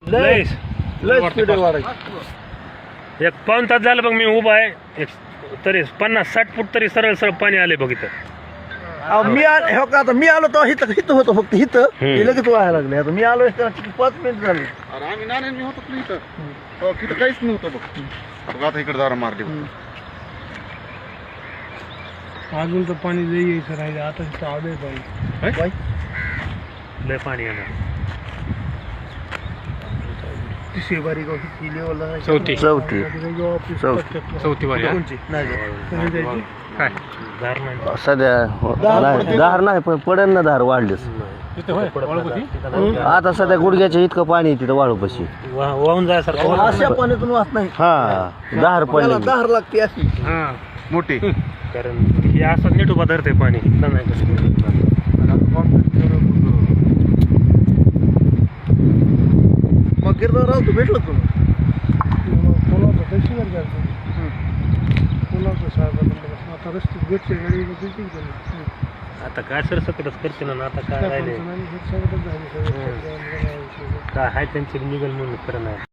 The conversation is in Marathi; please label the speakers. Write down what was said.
Speaker 1: लय स्पीड वाढायची.
Speaker 2: एक पाऊण तास झालं बघ मी उभा आहे. एक तरी 50-60 फूट तरी सरळ सरळ पाणी आले बघ इथं.
Speaker 1: मी हो का आता मी आलो तर हिथं होतं फक्त हिथं लगेच व्हायला लागले. आता मी आलो 5 मिनिट झाले.
Speaker 3: अरे आम्ही नाणे मी होतो ना इथं तिथं काहीच नव्हतं बघ. आता इकडे दारा मारली.
Speaker 4: अजून तर पाणी लई यायचं राहिले. आता तिथं आलंय पाणी.
Speaker 2: लय पाणी येणार.
Speaker 1: शेबारी
Speaker 2: चौथी
Speaker 4: वारी
Speaker 2: काय धार नाही
Speaker 5: सध्या धार नाही पण पडेल ना धार वाढलीस. आता सध्या गुडघ्याच्या इतकं पाणी तिथं वाळूपाशी
Speaker 2: वाहून जायसारखं.
Speaker 1: अशा पाण्यातून वाहत नाही.
Speaker 5: हा धार पडली.
Speaker 1: धार लागते अशी
Speaker 3: मोठी.
Speaker 2: कारण हे असं नीट उभा धरते पाणी.
Speaker 1: मग गिरदाराव तू भेटलं तुला
Speaker 4: कोणाचं तहसीलदार जायचं कोणाचं साहेब आता रस्ते भेटले गाडी.
Speaker 2: आता काय सरसकटच करते ना. आता काय राहिले काय आहे त्यांची निघल म्हणून खरं नाही.